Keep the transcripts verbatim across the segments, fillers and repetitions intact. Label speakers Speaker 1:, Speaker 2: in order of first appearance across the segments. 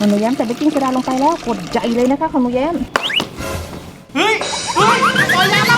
Speaker 1: ของหนูแย้มใส่เบกกิ้งโซดาลงไปแล้วกดใจเลยนะคะของหนูแย้ม
Speaker 2: เฮ้ยเฮ้ยปล่อยแล้ว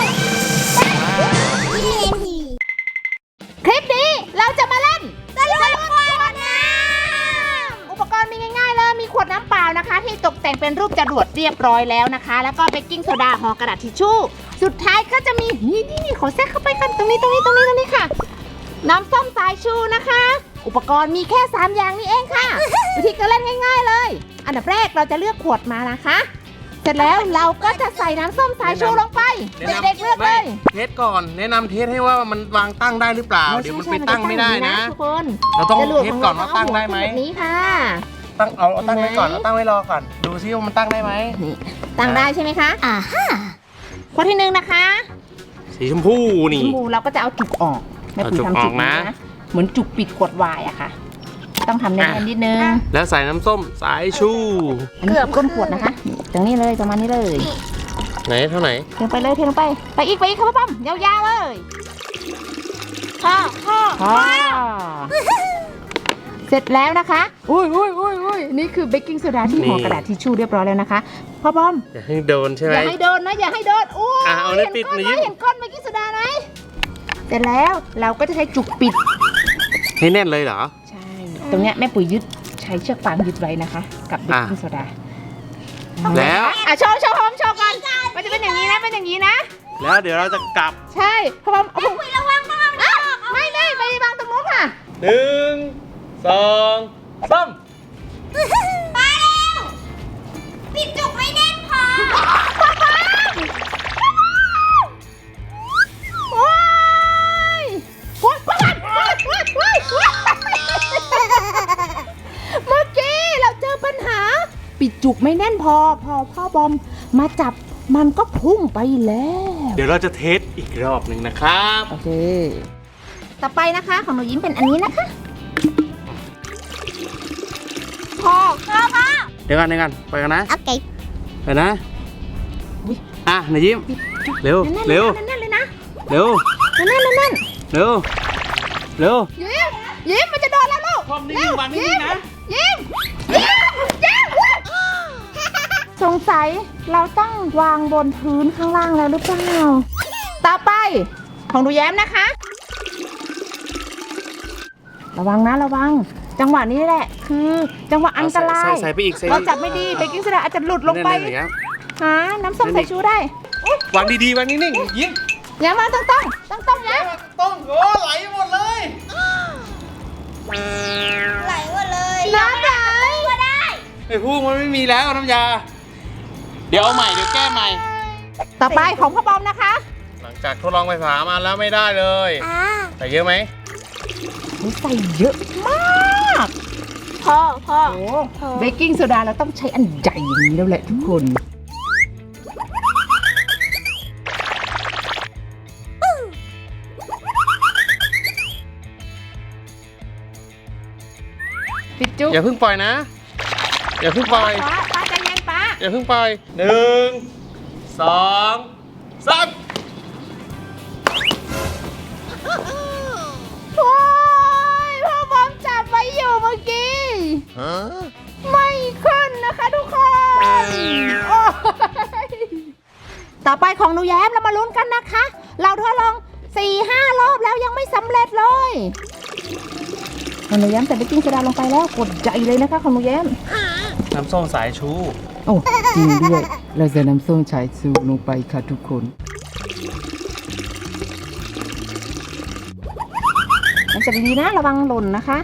Speaker 1: คลิปนี้เราจะมาเล่นตะลุยขวดน้ำอุปกรณ์มีง่ายๆเลยมีขวดน้ำเปล่านะคะที่ตกแต่งเป็นรูปจรวดเรียบร้อยแล้วนะคะแล้วก็เบกกิ้งโซดาห่อกระดาษทิชชู่สุดท้ายก็จะมีนี่นี่ขอแทรกเข้าไปกันตรงนี้ตรงนี้ตรงนี้ตรงนี้ค่ะน้ำส้มสายชูนะคะอุปกรณ์มีแค่สามอย่างนี้เองค่ะวิธีการเล่นง่ายๆเลยอันดับแรกเราจะเลือกขวดมานะคะเสร็จแล้วเราก็จะใส่น้ำส้มสายชูลงไปเด็กๆเลือกเลย
Speaker 2: เทสก่อนแนะนำเทสให้ว่ามันวางตั้งได้หรือเปล่าเดี๋ยวมันไปตั้งไม่ได้นะ
Speaker 1: ทุกคน
Speaker 2: เราต้องเทสก่อนว่าตั้งได้ไหม
Speaker 1: แบบนี้ค่ะ
Speaker 2: ตั้งเอาเอาตั้งไว้ก่อนเอาตั้งไว้รอก่อนดูซิว่ามันตั้งได้ไหม
Speaker 1: นี่ตั้งได้ใช่ไหมคะอ่าฮะข้อที่หนึ่งนะคะ
Speaker 2: สีชมพูนี่
Speaker 1: ชมพูเราก็จะเอาจุกออกไม่ปุ๋ยทำจุกนะเหมือนจุกปิดขวดไวน์อะค่ะต้องทำแน่นๆนิดนึง
Speaker 2: แล้วใส่น้ำส้มสายชู
Speaker 1: อันนี้ก้นขวดนะคะตรงนี้เลยประมาณนี้เลย
Speaker 2: ไหนเท่าไหร่
Speaker 1: เทลงไปเลยเทลงไปไปอีกไปอีกครับป้อมยาวๆเลยพ่อพ่อพ่อเสร็จแล้วนะคะอุ้ยอุ้ยอุ้ยอุ้ยนี่คือเบกกิ้งโซดาที่ห่อกระดาษทิชชู่เรียบร้อยแล้วนะคะพ่อป้อม
Speaker 2: อย่าให้โดนใช่ไหม
Speaker 1: อย่าให้โดนนะอย่าให้โดนอู้
Speaker 2: เอาเนปิดนี้
Speaker 1: เห็นก้นเบกกิ้งโซดาไหมเสร็จแล้วเราก็จะใช้จุกปิด
Speaker 2: ให้แน่นเลยเหรอ
Speaker 1: ใช่ตรงเนี้ยแม่ปุ๋ยยึดใช้เชือกฟางยึดไว้นะคะกับเบกกิ้งโซดา
Speaker 2: แล้ว
Speaker 1: อ่ะโชว์โชว์พร้อมโชว์กันมันจะเป็นอย่างนี้นะเป็นอย่างนี้นะ
Speaker 2: แล้วเดี๋ยวเราจะกลับ
Speaker 1: ใช่พร้อมแม่ปุ๋ยระวังระวังไม่ไม่ไปวางตรงนู้นค่ะ
Speaker 2: หนึ่งสองสาม
Speaker 1: มาแล้วปิดจุกไม่แน่นพอว้ายว้ายว้ายว้ายว้ายว้ายเมื่อกี้เราเจอปัญหาปิดจุกไม่แน่นพอพอพ่อบอมมาจับมันก็พุ่งไปแล้ว
Speaker 2: เดี๋ยวเราจะเทสอีกรอบหนึ่งนะครับ
Speaker 1: โอเคต่อไปนะคะของหนูยิ้มเป็นอันนี้นะคะพอพอพอ
Speaker 2: เดี๋ยวกันเดี๋ยวกันไปกันนะ
Speaker 1: โอเค
Speaker 2: ไปนะอ่ะหนูยิ้มเร็วเร็ว
Speaker 1: แน่นเลยนะ
Speaker 2: เร็ว
Speaker 1: แน่นแน่นแน่น
Speaker 2: เร็วเร็ว
Speaker 1: ยิ้มยิ้มมันจะโดนแล้วลูก
Speaker 2: เร็วยิ้มนะ
Speaker 1: ยิ้มยิ้มยิ้มสงสัยเราต้องวางบนพื้นข้างล่างแล้วหรือเปล่าต่อไปของหนูแย้มนะคะระวังนะระวังจังหวะนี้แหละคือจังหวะอันตรายเราจับไม่ดีเบกกิ้งโซดาอาจจะหลุดลงไปหาน้ำส้มสายชูได้
Speaker 2: วางดีๆวางนิ่งๆยิ้ม
Speaker 1: อย่ามาต้องต้องต้องต้องนะ
Speaker 2: ต้องโอ้ไหลหมดเลย
Speaker 1: ไหลหมดเลยน้ำไหลก็ได้
Speaker 2: ไอ้พวกมันไม่มีแล้วน้ำยาเดี๋ยวเอาใหม่เดี๋ยวแก้ใหม่
Speaker 1: ต่อไปของพ่อบอมนะคะ
Speaker 2: หลังจากทดลองไปสามอันแล้วไม่ได้เลยใส่เยอะไหม
Speaker 1: ใส่เยอะมากพ่อพ่อเบกกิ้งโซดาเราต้องใช้อันใหญ่อย่างนี้แล้วแหละทุกคนปิดจุ๊บ
Speaker 2: อย่าเพิ่งปล่อยนะอย่าเพิ่งปล่อย
Speaker 1: ป้าป้าใจเย็นป้า
Speaker 2: อย่าเพิ่งปล่อยหนึ่งสองสาม
Speaker 1: โอ้ยพ่อบอมจับไว้อยู่เมื่อกี้ไม่ขึ้นนะคะทุกคนต่อไปของหนูแย้มเรามาลุ้นกันนะคะเราทดลอง สี่ห้า รอบแล้วยังไม่สำเร็จเลยของหนูแย้มใส่เบกกิ้งโซดาลงไปแล้วกดใจเลยนะคะของหนูแย้ม
Speaker 2: น้ำส้มสายชู
Speaker 1: โอ้จริงด้วยเราใส่น้ำส้มสายชูลงไปค่ะทุกคนมันจะดีๆนะระวังหล่นนะคะ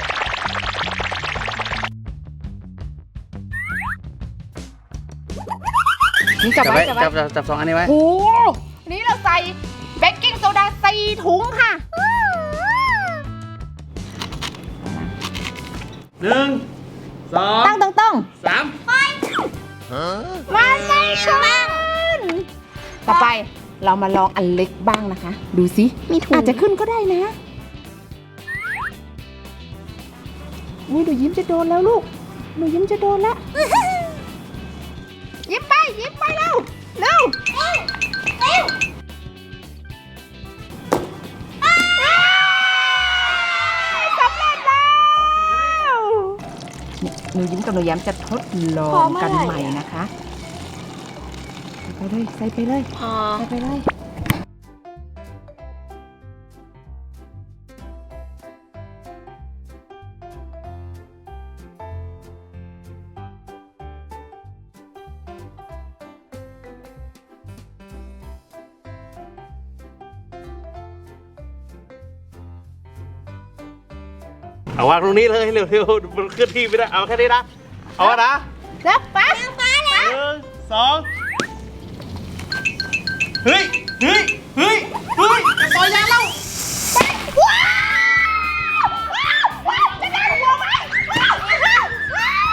Speaker 1: นี่จับไว้จับไว้
Speaker 2: จับจับสองอันนี้ไว้
Speaker 1: โอ้นี่เราใส่เบกกิ้งโซดาสี่ถุงค่ะ
Speaker 2: หนึ่งสอง
Speaker 1: ตั้งตรง
Speaker 2: ๆสาม
Speaker 1: มาไม่ขึ้นต่อไปเรามาลองอันเล็กบ้างนะคะดูสิมีถุงอาจจะขึ้นก็ได้นะอุ้ยหนูยิ้มจะโดนแล้วลูกหนูยิ้มจะโดนแล้วยิ้มไปยิ้มไปเร็วเร็วเร็วสำเร็จแล้วหนูยิ้มกับหนูแย้มจะทดลอ
Speaker 3: พอง เมื่อ
Speaker 1: กัน
Speaker 3: ไหร่
Speaker 1: ใหม่
Speaker 3: อะ
Speaker 1: นะคะใส่ไปเลยใส่ไปเลย
Speaker 3: พอ
Speaker 1: ใส่ไปเลย
Speaker 2: เอาวางตรงนี้เลยเร็วๆมันเคลื่อนที่ไม่ได้เอาแค่นี้นะเอาอะนะ
Speaker 1: แล้วไป
Speaker 2: หนึ่งสองเฮ้ยเฮ้ยเฮ้ยเฮ้ยจะปล่อยยาแล้ว
Speaker 1: ว้าวว้าวจะได้หัวไหมว้าวว้าวว้า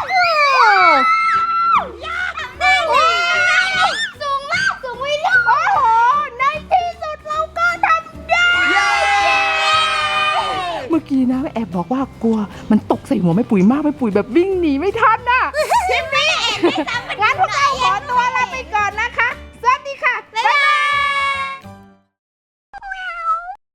Speaker 1: วยากทำได้เลยสูงมากสูงวิลุโอ้โหในที่สุดเราก็ทำได้เมื่อกี้นะแอบบอกว่ากลัวมันตกใส่หัวแม่ปุ๋ยมากแม่ปุ๋ยแบบวิ่งหนีไม่ทันน่ะคลิปนี้แอบไม่ทำ